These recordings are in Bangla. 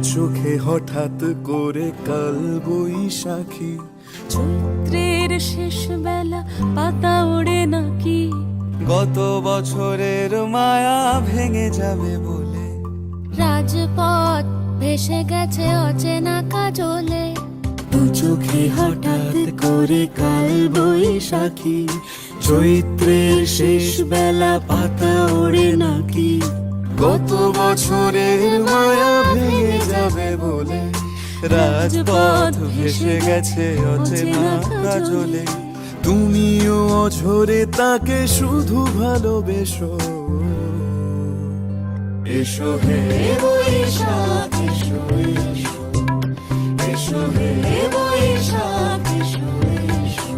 চোখে হঠাৎ করে কাল বৈশাখী, চৈত্রের শেষ বেলা পাতা ওড়ে নাকি, গত বছরের মায়া ভেঙে যাবে বলে, রাজপথ ভেসে গেছে অচেনা কাজলে। দু চোখে হঠাৎ করে কাল বৈশাখী, চৈত্রের শেষ বেলা পাতা ওড়ে নাকি, গত বছরের মায়া ভেঙে যাবে বলে, রাজপথ ভেসে গেছে অচেনা কাজলে। তুমিও অঝরে তাকে শুধু ভালোবেসো, এসো হে বৈশাখ এসো এসো, এসো হে বৈশাখ এসো এসো।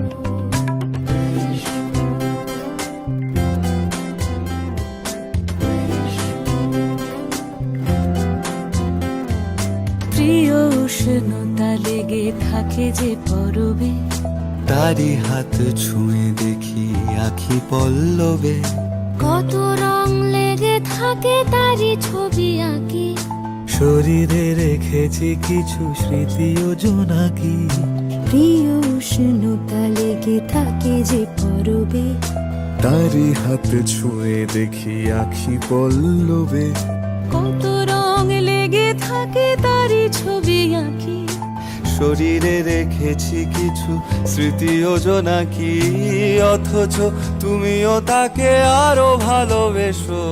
প্রিয় উষ্ণতা লেগে থাকে যে পরবে, তারি হাত ছুঁয়ে দেখি আখি পল্লবে, কত রং লেগে থাকে তারই ছবি আঁকি, শরীরে রেখেছি কিছু স্মৃতি ও জোনাকি। প্রিয় উষ্ণতা লেগে থাকে যে পরবে, তারি হাত ছুঁয়ে দেখি আখি পল্লবে, কত রং লেগে থাকে তারই ছবি আঁকি, শরীরে রেখেছি কিছু স্মৃতি ও জোনাকি। অথচ তুমিও তাকে আরো ভালোবেসো,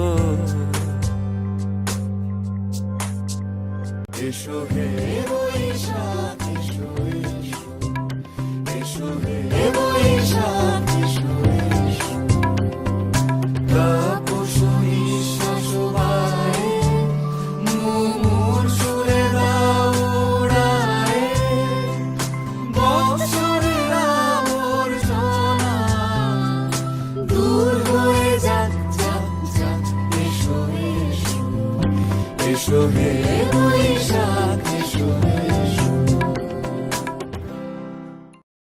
এসো হে বৈশাখ এসো এসো, এসো হে বৈশাখ এসো এসো। তাপস নিঃশ্বাস বায়ে, মুমুর সুরে দাও উড়ায়ে, বৎসরের আবর্জনা দূর হয়ে যাক যাক যাক। এসো এসো, এসো হে বৈশাখ এসো এসো।